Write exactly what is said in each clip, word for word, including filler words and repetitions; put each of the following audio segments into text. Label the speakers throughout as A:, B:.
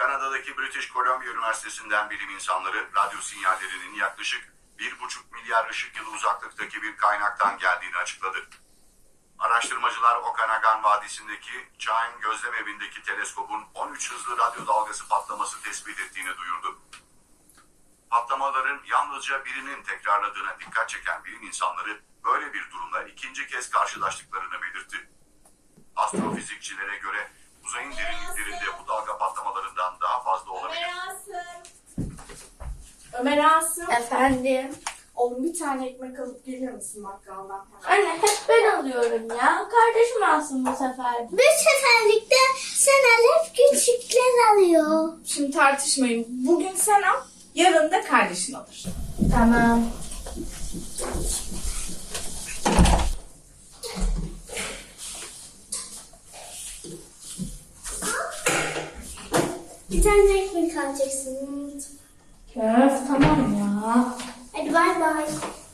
A: Kanada'daki British Columbia Üniversitesi'nden bilim insanları radyo sinyallerinin yaklaşık bir buçuk milyar ışık yılı uzaklıktaki bir kaynaktan geldiğini açıkladı. Araştırmacılar Okanagan Vadisi'ndeki Chime gözlem evindeki teleskopun on üç hızlı radyo dalgası patlaması tespit ettiğini duyurdu. Patlamaların yalnızca birinin tekrarladığına dikkat çeken bilim insanları böyle bir durumla ikinci kez karşılaştıklarını belirtti. Astrofizikçilere göre uzayın derinliklerinde bu dalga patlamalarından daha fazla olabilir.
B: Ömer Asım. Ömer Asım.
C: Efendim?
B: Oğlum bir tane ekmek alıp gelir misin bakkaldan?
C: Anne hep ben alıyorum ya. Kardeşim alsın bu sefer.
D: Bir seferlikte sen al, hep küçükler alıyor.
B: Şimdi tartışmayın. Bugün sen al, yarın da kardeşin alır.
C: Tamam.
D: Bir tane ekmek alacaksın.
C: Köf tamam ya.
D: Hadi bay bay.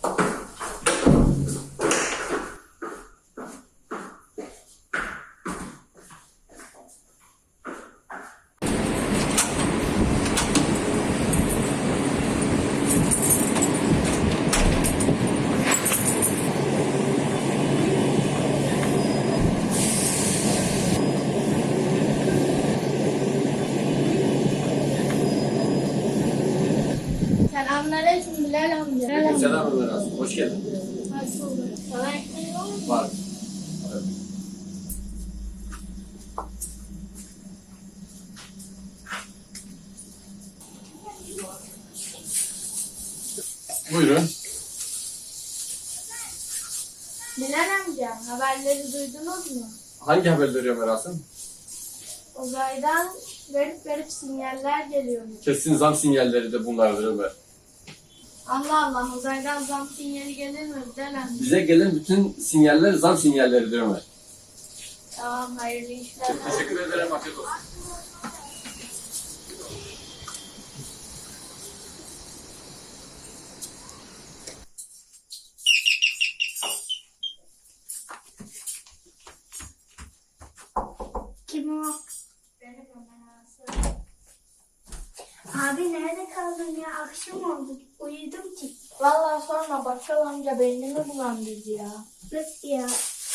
C: Selamünaleyküm Bilal amca.
E: Selam Ömer Asım, hoş geldin.
C: Hoş bulduk. Sana ekmeği var mı?
E: Var. Evet. Buyurun.
C: Bilal amca haberleri duydunuz mu?
E: Hangi haberleri Ömer Asım?
C: Uzaydan garip garip sinyaller geliyormuş.
E: Kesin zam sinyalleri de bunlardır Ömer.
C: Allah Allah uzaydan zam sinyali gelir mi Bilal amca?
E: Bize gelen bütün sinyaller zam sinyalleridir Ömer.
C: Tamam hayırlı işler.
E: Teşekkür ederim, afiyet olsun.
D: Kim o?
C: Benim Ömer Asım.
D: Abi nerede kaldın ya? Akşam oldu. Uyudum ki.
C: Vallahi sorma bakkal amca beynimi bulandırdı ya.
D: Nasıl ya?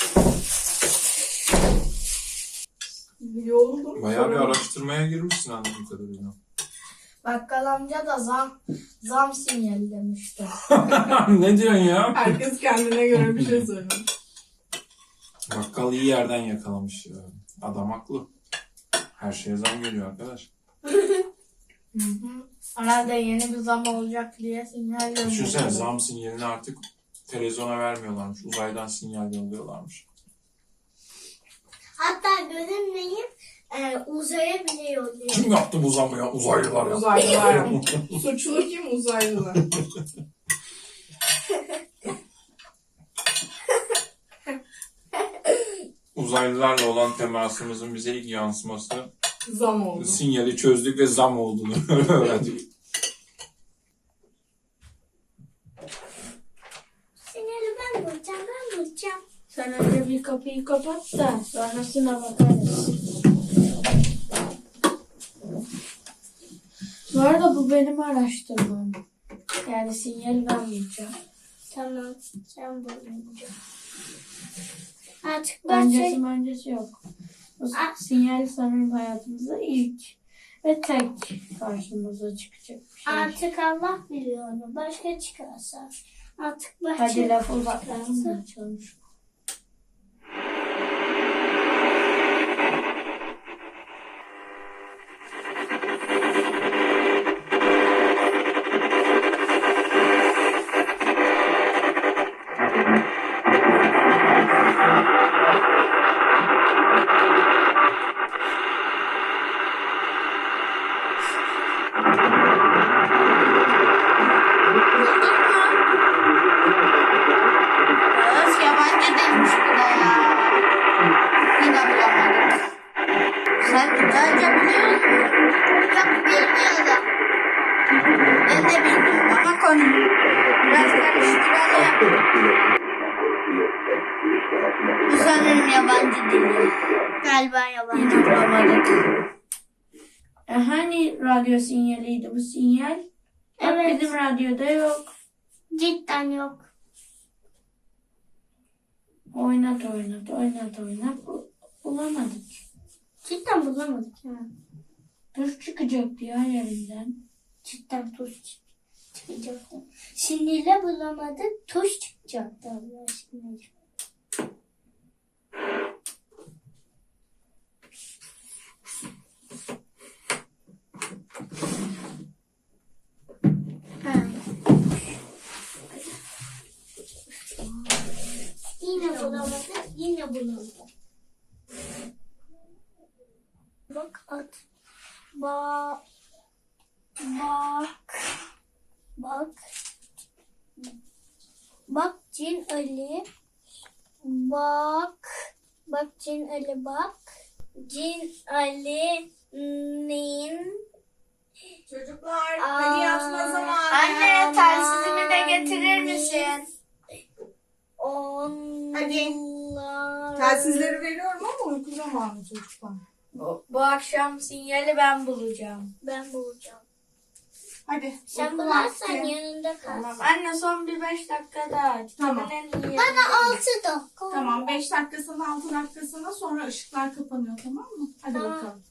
B: Yoruldum.
F: Bayağı bir araştırmaya girmişsin anladığım kadarıyla.
C: Bakkal amca da zam zam sinyali demişti.
F: Ne diyorsun ya?
B: Herkes kendine göre bir şey söylüyor.
F: Bakkal iyi yerden yakalamış ya. Adam haklı. Her şeye zam geliyor arkadaş.
C: Hı hı. Herhalde yeni bir zam olacak diye sinyal
F: Düşünsene
C: gönderiyor.
F: zam sinyalini artık televizyona vermiyorlarmış. Uzaydan sinyal yolluyorlarmış.
D: Hatta görünmeyip e, uzaya bile yolluyor.
F: Kim yaptı bu zamı ya? Uzaylılar ya.
B: Uzaylılar. Suçlu kim? Uzaylılar.
F: Uzaylılarla olan temasımızın bize ilk yansıması
B: Zam oldu.
F: sinyali çözdük ve zam olduğunu öğrendik.
D: Sinyali ben bulacağım, ben bulacağım.
C: Sen önce bir kapıyı kapat da sonrasına bakarız. Bu arada bu benim araştırmam. Yani sinyali ben bulacağım.
D: Tamam, sen bulunca. Artık
C: Öncesi
D: başka...
C: öncesi yok. Bu
D: Ah.
C: sinyal sanırım hayatımızda ilk ve tek karşımıza çıkacak bir şey.
D: Artık Allah biliyor onu. Başka çıkarsa. Artık başka...
C: Hadi lafı uzaklarını da açalım. Öf yabancı değilmiş bu da ya. Yine bulamadık. Sen Türkçe biliyor musun?
D: Yok bilmiyorum.
C: Ben de bilmiyorum ama konu. Biraz karıştıralım. Bu sanırım yabancı dili.
D: Galiba yabancı.
C: Yine bulamadık. Eh hani radyo sinyaliydi bu sinyal? Bak
D: Evet.
C: bizim radyoda yok.
D: Cidden yok.
C: Oynat oynat oynat oynat. Bu- Bulamadık.
D: Cidden bulamadık ya.
C: Tuş çıkacaktı ya yerinden.
D: Cidden tuş çık- çıkacaktı. Sinirle bulamadık. Tuş çıkacaktı Allah aşkına. Ha. Yine bulamadık. Yine bulamadık. Bak at. Bak. Bak. Bak. Bak Cin Ali. Bak. Bak Cin Ali bak. Cin Ali'nin
B: Çocuklar
D: Aa,
B: hadi yatma zamanı.
D: anne,
B: telsizimi de getirir misin? Hadi.
D: onlar.
B: Telsizleri veriyorum ama uyku zamanı çocuklar.
C: Bu, bu akşam sinyali ben bulacağım.
D: Ben bulacağım.
B: Hadi.
D: Sen
B: uyku
D: bularsan
B: vakti.
D: yanında kal.
C: Tamam. Anne son bir beş dakika daha.
B: Tamam.
C: Kitabın en iyi
D: Bana
C: yerinde.
D: altı dakika.
B: Tamam beş dakikasına altı dakikasına sonra ışıklar kapanıyor tamam mı? Hadi
D: Tamam.
B: bakalım.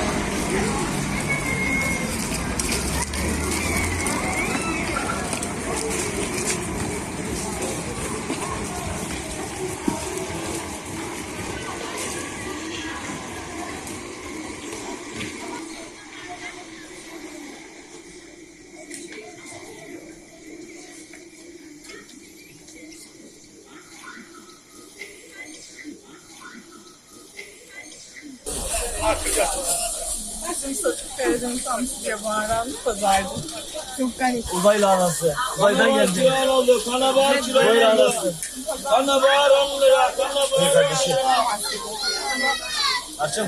G: Uzaylı anası. Uzaydan geldi.
H: Kiran oldu, kanabağ kiran oldu. Kanabağ on lira, kanabağ
G: Kardeşim. Açım.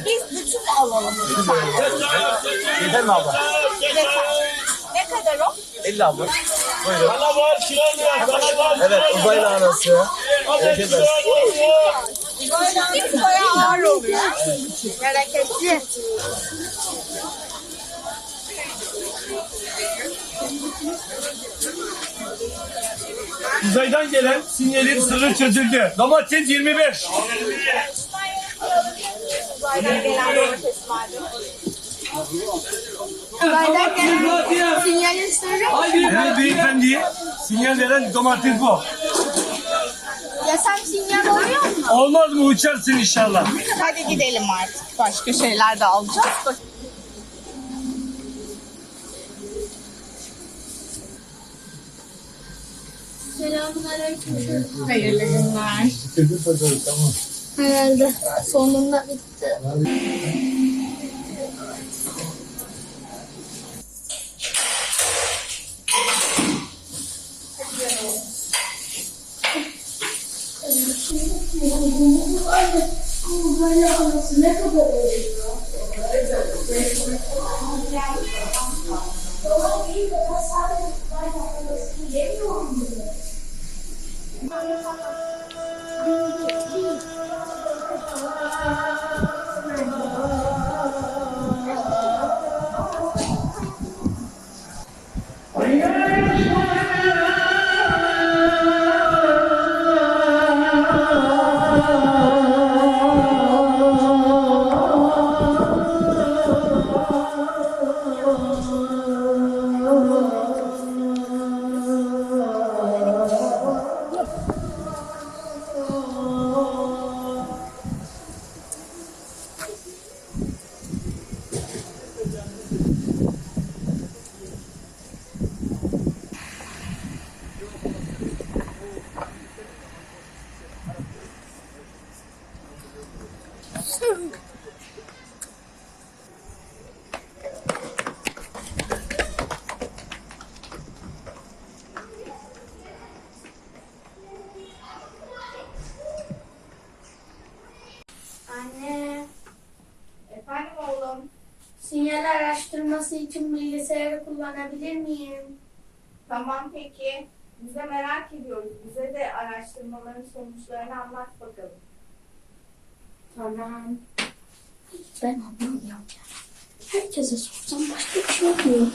G: Yeter mi abla?
B: Ne kadar o?
G: elli abla. Buyurun.
H: Kanabağ kiran lira, kanabağ
G: Evet uzaylı anası. Erkek arası.
B: Bir koya ağır oluyor. Hareketli.
H: Uzaydan gelen sinyalin sırrı çözüldü. Domates yirmi beş.
B: Uzaydan gelen domates vardı. Uzaydan gelen sinyalin sırrı.
H: Evet beyefendi, sinyal veren domates bu.
B: Ya sen sinyal oluyor mu?
H: Olmaz mı uçarsın inşallah.
B: Hadi gidelim artık. Başka şeyler de alacağız. Bak.
D: Selamünaleyküm.
B: Hayırlı günler.
D: Herhalde sonunda bitti.
C: Anne,
B: Efendim oğlum.
C: sinyal araştırması için bilgisayarı kullanabilir miyim?
B: Tamam peki. Biz de merak ediyoruz. Bize de araştırmaların sonuçlarını anlat bakalım.
C: Tamam.
D: Ben anlamıyorum. Herkese sorsam başka bir şey oluyor.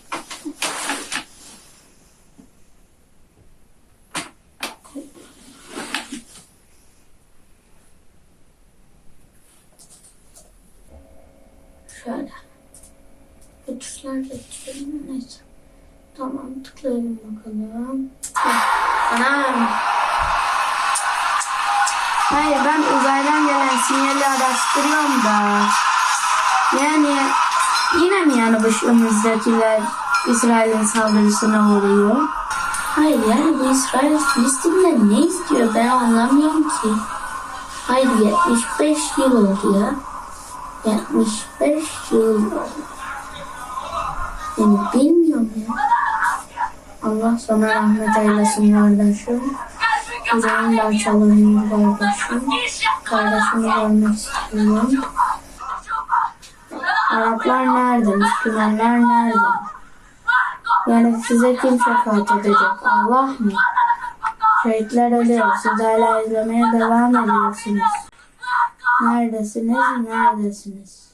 D: Şöyle. Bu tuşlar da tıklayayım. Neyse. Tamam, tıklayalım bakalım. Anam. Hayır, ben uzaydan gelen sinyali araştırıyorum da. Yani yine mi yani başımızdakiler İsrail'in saldırısına uğruyor? Hayır, yani bu İsrail Filistin'den ne istiyor ben anlamıyorum ki. Hayır, yetmiş beş yıl oldu ya. yetmiş beş yıl oldu. Yani bilmiyorum ya. Allah sana rahmet eylesin kardeşim. Yüreğim de açalım kardeşim. Kardeşimi görmek istiyorum. Araplar nerede? Müslümanlar nerede? Yani size kim şefaat edecek? Allah mı? Şehitler ölüyor. Siz hala izlemeye devam ediyorsunuz. Neredesiniz? Neredesiniz?